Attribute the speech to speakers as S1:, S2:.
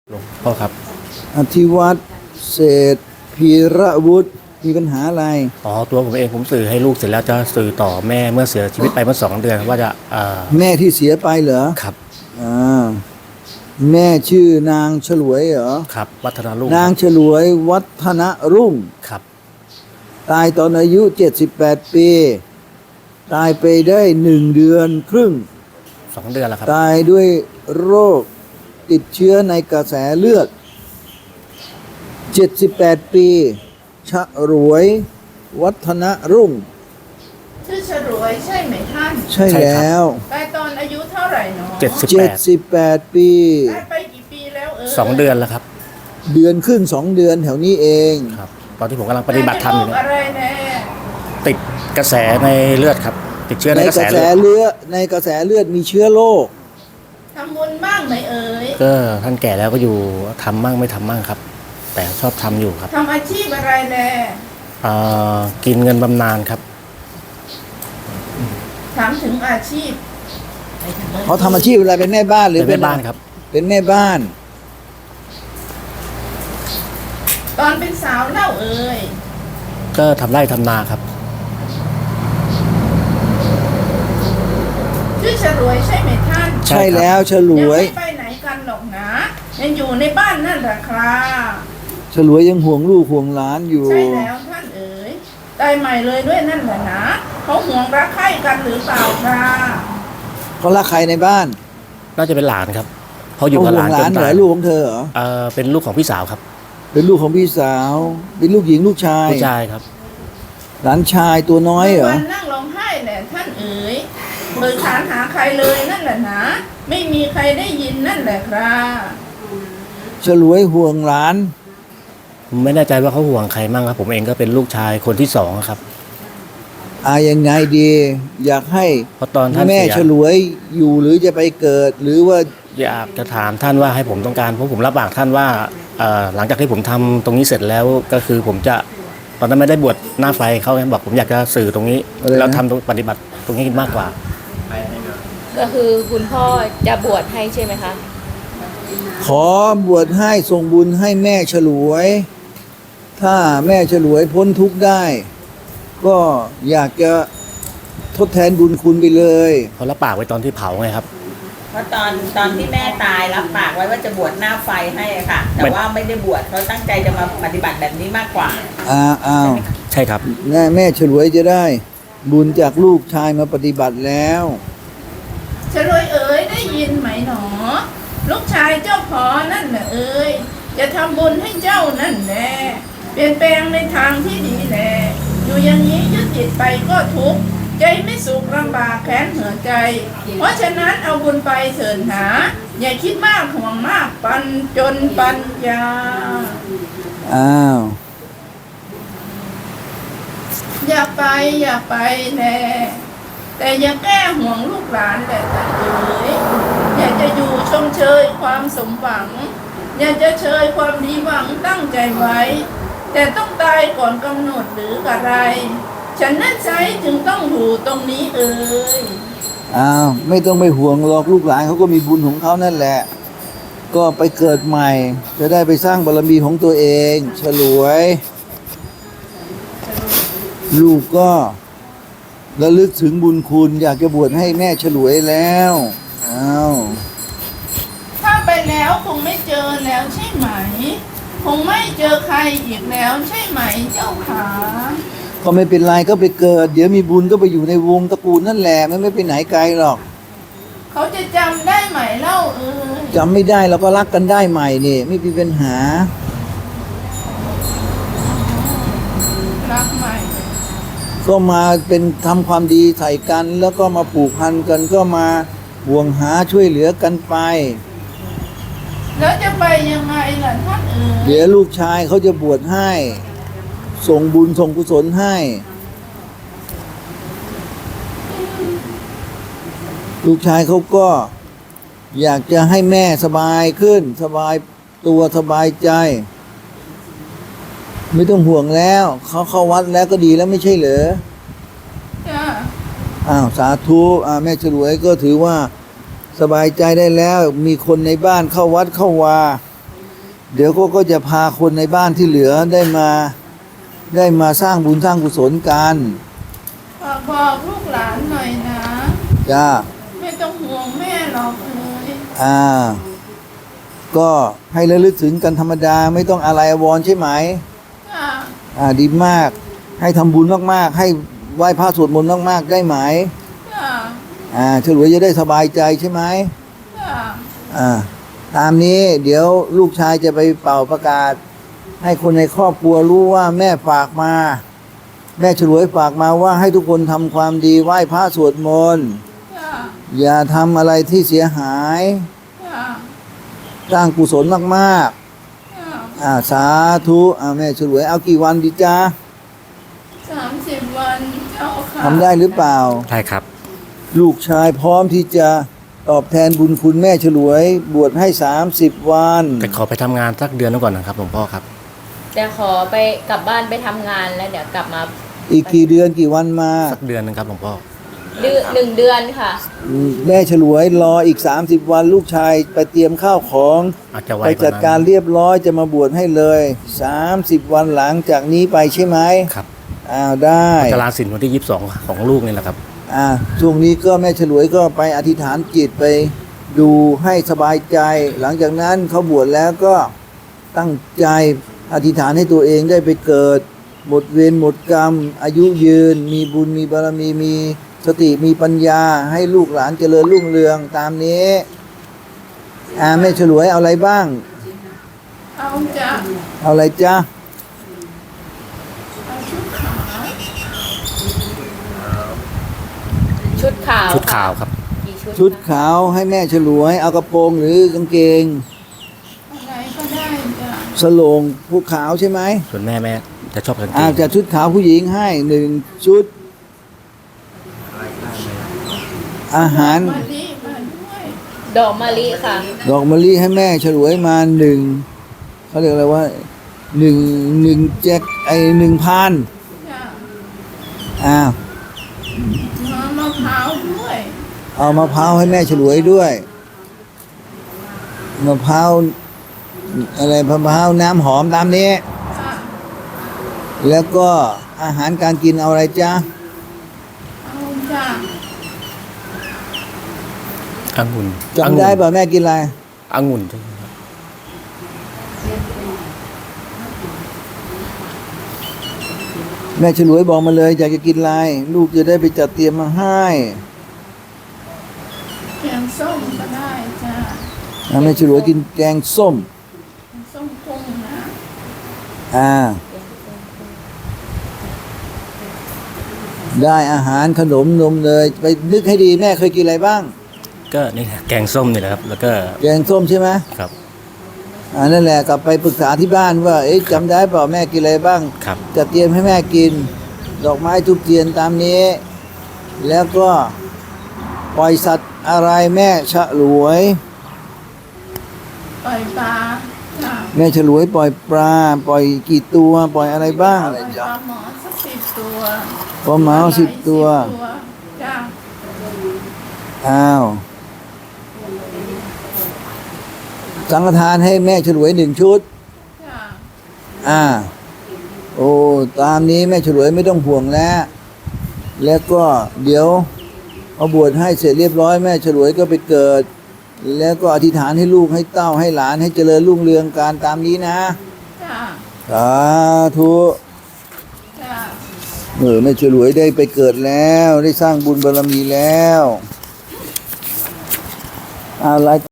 S1: หลวงพ่อครับ
S2: อธิวัตรเศรษฐพีระวุฒิมีปัญหาอะไร
S1: ตัวผมเองผมสื่อให้ลูกเสร็จแล้วจะสื่อต่อแม่เมื่อเสียชีวิตไปเมื่อ2 เดือนว่าจะ
S2: แม่ที่เสียไปเหรอ
S1: ครับ
S2: อ่าแม่ชื่อนางฉลวยเหรอ
S1: ครับวัฒนารุ่ง
S2: นางฉลวยวัฒนรุ่ง
S1: ครับ
S2: ตายตอนอายุ78ปีตายไปได้1 เดือนครึ่ง
S1: 2 เดือนแล้วครับ
S2: ตายด้วยโรคติดเชื้อในกระแสเลือด78ปีฉลวยวัฒนรุ่ง
S3: ชื่อฉลวยใช่ไหมท่าน
S2: ใช่แล้ว
S3: ตายตอนอายุเท่าไหร่เนาะ
S2: 78ปี
S3: ตายไปกี่ปีแล้ว
S1: 2 เดือนแล้วครับ
S2: เดือนครึ่ง2 เดือนแถวนี้เอง
S1: ครับตอนที่ผมกำลังปฏิบัติธรรมอยู่
S3: อะไรแน่
S1: ติดกระแสในเลือดครับติดเชื้อในกระแส
S2: เลือดในกระแสเลือดมีเชื้อโรค
S3: ทำบุญบ้างไหม
S1: ก็ท่านแก่แล้วก็อยู่ทำมั่งไม่ทำมั่งครับแต่ชอบทำอยู่ครับ
S3: ทำอาชีพอะไรแน่
S1: กินเงินบำนาญครับ
S3: ถามถึงอาชีพ
S2: เขาทำอาชีพอะไรเป็นแม่บ้านหรือ
S1: เป็นแม่บ้านครับ
S2: เป็นแม่บ้าน
S3: ตอนเป็นสาวเล่า
S1: ก็ทำไร่ทำนาครับ
S3: ชื่อฉลวยใช่ไหมท่าน
S2: ใช่แล้วฉลวย
S3: ยังไม่ไปไหนกันหรอกนะยังอยู่ในบ้านนั่นแหละครับ
S2: ฉลวยยังห่วงลูกห่วงหลานอยู่
S3: ใช่แล้วท่านตายใหม่เลยด้วยนั่นแหละนะเขาห่วงรักใคร่กันหรือเปล่าครับ
S2: เขารักใครในบ้าน
S1: น่าจะเป็นหลานครับเขาอยู่กับหลานจน
S2: ตายลูกของเธอเหรอ
S1: เป็นลูกของพี่สาวครับ
S2: เป็นลูกของพี่สาวเป็นลูกหญิงลูกชาย
S1: ผู้ชายครับ
S2: หลานชายตัวน้อยเหรอ
S3: วันนั่งร้องไห้แหละท่านเปิดขานหาใครเลยนั่นแหละนะไม่มีใครได้ยินนั่นแหละครับ
S2: ฉลวยห่วงหลาน
S1: ไม่แน่ใจว่าเขาห่วงใครมั่งครับผมเองก็เป็นลูกชายคนที่2ครับ
S2: ยังไงดีอยากให้
S1: เพราะตอนท่าน
S2: แม่ฉลวยอยู่หรือจะไปเกิดหรือว่า
S1: อยากจะถามท่านว่าให้ผมต้องการเพราะผมรับปากท่านว่าหลังจากที่ผมทำตรงนี้เสร็จแล้วก็คือผมจะตอนนั้นไม่ได้บวชหน้าไฟเขาบอกผมอยากจะสื่อตรงนี้แล้วทำปฏิบัติตรงนี้มากกว่า
S4: ก็คือคุณพ่อจะบวชให้ใช่ไหมคะ
S2: ขอบวชให้ส่งบุญให้แม่ฉลวยถ้าแม่ฉลวยพ้นทุกข์ได้ก็อยากจะทดแทนบุญคุณไปเลย
S1: เขารับปากไว้ตอนที่เผาไงครับ
S5: เพราะตอนที่แม่ตายรับปากไว้ว่าจะบวชหน้าไฟให้ค่ะแต่ว่าไม่ได้บวชเขาตั้งใจจะมาปฏิบัติแบบนี้มากกว่า
S1: ใช่ครับ
S2: แม่ฉลวยจะได้บุญจากลูกชายมาปฏิบัติแล้ว
S3: ฉลวยได้ยินไหมหนอลูกชายเจ้าพอนั่นแหละจะทำบุญให้เจ้านั่นแหละเปลี่ยนแปลงในทางที่ดีแหละอยู่อย่างนี้ยึดติดไปก็ทุกข์ใจไม่สุขลำบากแค้นเหือใจเพราะฉะนั้นเอาบุญไปเถิดหาอย่าคิดมากห่วงมากปันจนปัญญาอย่าไปแน่แต่อย่าแก้ห่วงลูกหลานแต่อยากจะอยู่ชมเชยความสมหวังอยากจะเชยความดีหวังตั้งใจไว้แต่ต้องตายก่อนกำหนดหรืออะไรฉันนั่นใช้จึงต้องอยู่ตรงนี้
S2: ไม่ต้องไปห่วงหรอกลูกหลานเขาก็มีบุญของเขานั่นแหละก็ไปเกิดใหม่จะได้ไปสร้างบารมีของตัวเองฉลวยลูกก็ระลึกถึงบุญคุณอยากจะบวชให้แม่ฉลวยแล้ว
S3: ถ้าไปแล้วคงไม่เจอแล้วใช่ไหมคงไม่เจอใครอีกแล้วใช่ไหมเจ้าขา
S2: ก็ไม่เป็นไรก็ไปเกิดเดี๋ยวมีบุญก็ไปอยู่ในวงตระกูลนั่นแหละไม่ไปไหนไกลหรอก
S3: เขาจะจำได้ไหมเล่า
S2: จำไม่ได้เราก็รักกันได้ใหม่นี่ไม่มีปัญหา
S3: รักใหม่
S2: ก็มาเป็นทำความดีใส่กันแล้วก็มาผูกพันกันก็มาห่วงหาช่วยเหลือกันไป
S3: แล้วจะไปยังไงล่ะท่าน
S2: เดี๋ยวลูกชายเขาจะบวชให้ส่งบุญส่งกุศลให้ลูกชายเขาก็อยากจะให้แม่สบายขึ้นสบายตัวสบายใจไม่ต้องห่วงแล้วเขาเข้าวัดแล้วก็ดีแล้วไม่ใช่เหรอสาธุแม่ฉลวยก็ถือว่าสบายใจได้แล้วมีคนในบ้านเข้าวัดเข้าวาเดี๋ยวก็จะพาคนในบ้านที่เหลือได้มาสร้างบุญสร้างกุศลกัน
S3: ฝากบอกลูกหลานหน่อยนะ
S2: จ้า
S3: ไม่ต้องห่วงแม่หรอกเอ้ย
S2: ก็ให้ระลึกถึงกันธรรมดาไม่ต้องอะไรอาวรณ์ใช่ไหม
S3: จ้า
S2: ดีมากให้ทำบุญมากๆให้ไหว้พระสวดมนต์มากๆได้ไหม
S3: จ้า
S2: ฉลวยจะได้สบายใจใช่ไหม
S3: จ้า
S2: ตามนี้เดี๋ยวลูกชายจะไปเป่าประกาศ ให้คนในครอบครัวรู้ว่าแม่ฝากมา แม่ฉลวยฝากมาว่าให้ทุกคนทำความดีไหว้พระสวดมนต์
S3: จ้า
S2: อย่าทำอะไรที่เสียหาย
S3: จ้า
S2: สร้างกุศลมาก
S3: จ้า
S2: ๆสาธุแม่ฉลวยเอากี่วันดีจ้า
S3: 30 วันเจ้าค่ะ
S2: ทำได้หรือเปล่า
S1: ใช่ครับ
S2: ลูกชายพร้อมที่จะตอบแทนบุญคุณแม่ฉลวยบวชให้30 วัน
S1: แต่ขอไปทำงานสักเดือนหนึงก่อนนะครับหลวงพ่อครับ
S4: จะขอไปกลับบ้านไปทำงานแล้วเดี๋ยวกลับมา
S2: อีกกี่เดือนกี่วันมา
S1: สักเดือนหนึงครับหลวงพ่อ
S4: หนึ่งเดือนค่ะ
S2: แม่ฉลวยรออีก30 วันลูกชายไปเตรียมข้าวของ
S1: อาจจะไว
S2: ไป
S1: กว่า
S2: จัด
S1: นั้น
S2: การเรียบร้อยจะมาบวชให้เลย30 วันหลังจากนี้ไปใช่ไหม
S1: ครับ
S2: ได้
S1: จะลาสินวันที่22ของลูกนี่แหละครับ
S2: ช่วงนี้ก็แม่ฉลวยก็ไปอธิษฐานจิตไปดูให้สบายใจ หลังจากนั้นเขาบวชแล้วก็ตั้งใจอธิษฐานให้ตัวเองได้ไปเกิด หมดเวรหมดกรรม อายุยืน มีบุญมีบารมีมีสติมีปัญญาให้ลูกหลานเจริญรุ่งเรืองตามนี้แม่ฉลวยเอาอะไรบ้าง
S3: เอาจ้า
S2: เอาอะไรจ๊ะ
S3: เอาชุดขาว
S4: ชุดขาว
S1: ชุดขาวครับ
S4: กี่ชุด
S2: ชุด
S4: คะ
S2: ขาวให้แม่ฉลวยเอากระโปรงหรือกางเกง
S3: อะไรก็ได้จ้า
S2: สโลงผู้ขาวใช่ไหม
S1: ส่วนแม่จะชอบกางเกง
S2: จัดชุดขาวผู้หญิงให้1 ชุด อาหาร
S3: มะลิมาด้วย
S4: ดอกมะลิค่ะ
S2: ดอกมะลิให้แม่ฉลวยมา1เขาเรียกอะไรว่า1แจ็ค1,000
S3: จ้า
S2: อ้าว
S3: มะพร้าวด้วย
S2: เอามะพร้าวให้แม่ฉลวยด้วยมะพร้าวอะไรมะพร้าวน้ำหอมตามนี้
S3: จ้า
S2: แล้วก็อาหารการกินเอาอะไรจ๊ะ
S3: เอาจ้า
S1: องุ่น
S2: จำได้ป่ะแม่กินอะไร
S1: องุ่นใช่ไหมครับ
S2: แม่ฉลวยบอกมาเลยอยากจะกินอะไรลูกจะได้ไปจัดเตรียมมาให้
S3: แกงส้มก็ได้จ้า
S2: แม่ฉลวยกินแกงส้ม
S3: แกงส้มกุ้งนะ
S2: ได้อาหารขนมนมเลยไปนึกให้ดีแม่เคยกินอะไรบ้าง
S1: ก็นี่แหละแกงส้มนี่แหละครับ แล้วก็
S2: แกงส้มใช่ไหม
S1: ครับ
S2: นั่นแหละกลับไปปรึกษาที่บ้านว่าจำได้เปล่าแม่กินอะไรบ้าง
S1: ครับ
S2: จะเตรียมให้แม่กิน ดอกไม้ทุกเทียนตามนี้ แล้วก็ปล่อยสัตว์อะไรแม่ฉลวย
S3: ปล่อยปลาจ้า
S2: แม่ฉลวยปล่อยปลาปล่อยกี่ตัวปล่อยอะไรบ้าง
S3: ปล่อยปลาหมอสัก10 ตัว
S2: ปลาหมา10 ตัว
S3: จ้า
S2: อ้าวสังฆทานให้แม่ฉลวย1 ชุด
S3: จ้า
S2: โอ้ตามนี้แม่ฉลวยไม่ต้องห่วงแล้ว แล้วก็เดี๋ยวเอาบวชให้เสร็จเรียบร้อยแม่ฉลวยก็ไปเกิด แล้วก็อธิษฐานให้ลูกให้เต้าให้หลานให้เจริญรุ่งเรืองการตามนี้นะ
S3: จ้า
S2: สาธุ
S3: จ้า
S2: แม่ฉลวยได้ไปเกิดแล้วได้สร้างบุญบารมีแล้วอะไร